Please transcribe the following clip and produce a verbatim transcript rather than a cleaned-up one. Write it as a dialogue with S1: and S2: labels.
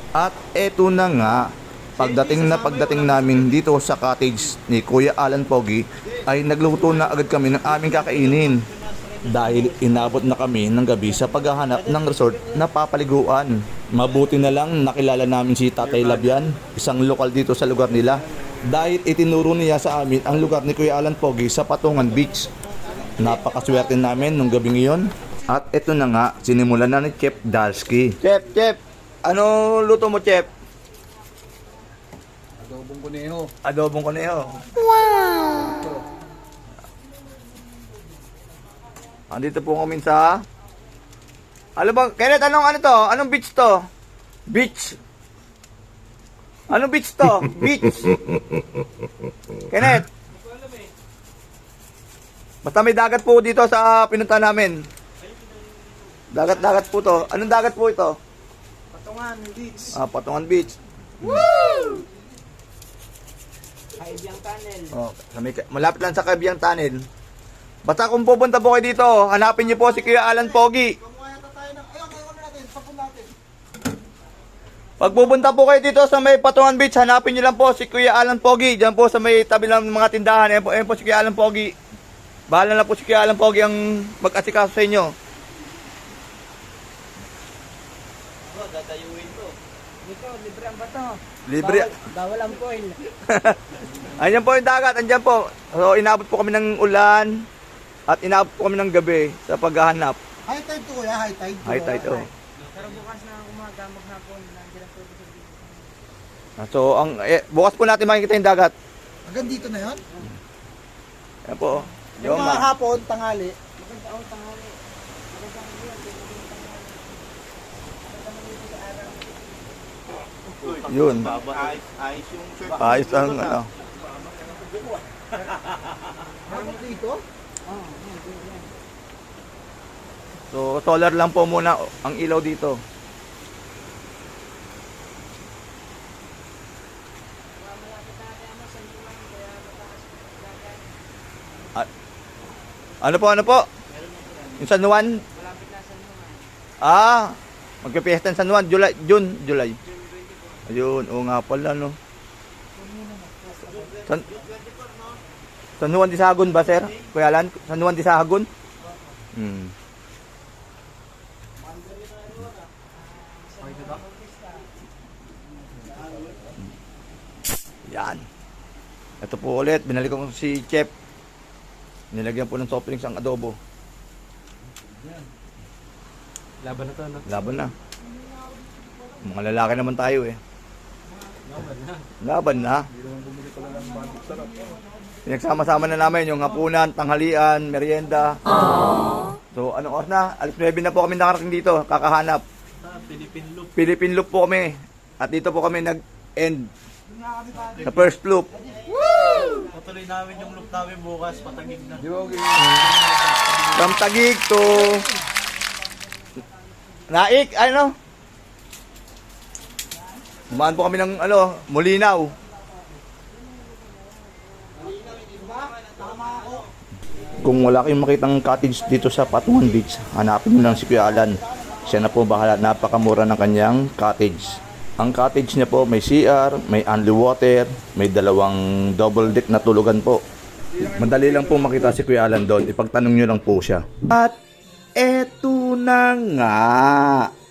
S1: At eto na nga, pagdating na pagdating namin dito sa cottage ni Kuya Alan Pogi, ay nagluto na agad kami ng aming kakainin. Dahil inabot na kami ng gabi sa paghahanap ng resort na papaliguan. Mabuti na lang nakilala namin si Tatay Labian, isang lokal dito sa lugar nila. Dahil itinuro niya sa amin ang lugar ni Kuya Alan Pogi sa Patungan Beach. Napakaswerte namin nung gabi ngayon. At eto na nga, sinimulan na ni Chef Dalsky. Chef, Chef! Ano luto mo, Chef?
S2: Adobong kuneho.
S1: Adobong kuneho. Wow! Andito po kami sa... Ano bang... Kenneth, anong ano to? Anong beach to? Beach. Anong beach to? Beach. Kenneth. Basta may dagat po dito sa pinunta namin. Dagat-dagat po to. Anong dagat po ito?
S2: Patungan Beach.
S1: Ah, Patungan Beach.
S2: Woo! Kaibiyang Tunnel.
S1: Oh, sa may, malapit lang sa Kaibiyang Tunnel. Basta kung pupunta po kayo dito, hanapin niyo po si Kuya Alan Pogi. Pag pupunta po kayo dito sa may Patungan Beach, hanapin niyo lang po si Kuya Alan Pogi. Diyan po sa may tabi ng mga tindahan. Ayan po, ayan po si Kuya Alan Pogi. Bahala na po si Kuya Alan Pogi ang mag-asikaso sa inyo.
S2: Oh, dadayuin to. Dito, libre ang bato.
S1: Libre.
S2: Bawal, bawal ang coil.
S1: Ayan po yung dagat, andyan po. So, inabot po kami ng ulan at inabot po kami ng gabi sa paghahanap.
S2: High tide to kuya, high tide.
S1: High tide, oh.
S2: Pero bukas na umaga, maghapon, nandiyan ang tubig sa dito.
S1: So, ang, eh, bukas po natin makikita yung dagat.
S2: Hanggang dito na yun?
S1: Ayan po.
S2: Yung
S1: Yung
S2: mga
S1: ma-
S2: hapon, tanghali.
S3: Maganda ako tanghali. Maganda ang yun.
S1: Yun.
S4: Ayos, ayos yung shirt.
S1: Ayos ang ano.
S2: Meron dito?
S1: So, solar lang po muna ang ilaw dito. Ah, ano po, ano po? Yung San Juan? Ah, magpipiesta ng San Juan, July, June, July. Ayun, oo nga pala, no. San, San Juan de Sahagun ba, sir? Kuya Alan? San Juan de Sahagun? Hmm. Yan. Ito po ulit, binalik ko si Chef. Nilagyan po ng soft drinks ang adobo.
S2: Laban na to, no?
S1: Laban na. Mga lalaki naman tayo eh.
S2: Laban na.
S1: Laban na. Pinagsama-sama na namin yung hapunan, tanghalian, merienda. So, anong oras na? alas nuwebe na po kami nakarating dito, kakahanap.
S2: Ah, Philippine Loop.
S1: Philippine loop po kami. At dito po kami nag-end sa first loop.
S4: Patuloy namin yung look namin bukas, patagig na.
S1: From Taguig to Naik, ano? Umaan po kami ng ano, Mulinaw. Kung wala kayong makitang cottage dito sa Patungan Beach, hanapin mo lang si Kuya Alan. Siya na po bahala, napakamura ng kanyang cottage. Ang cottage niya po may C R, may only water, may dalawang double deck na tulugan po. Madali lang po makita si Kuya Alan doon, ipagtanong nyo lang po siya. At eto na nga.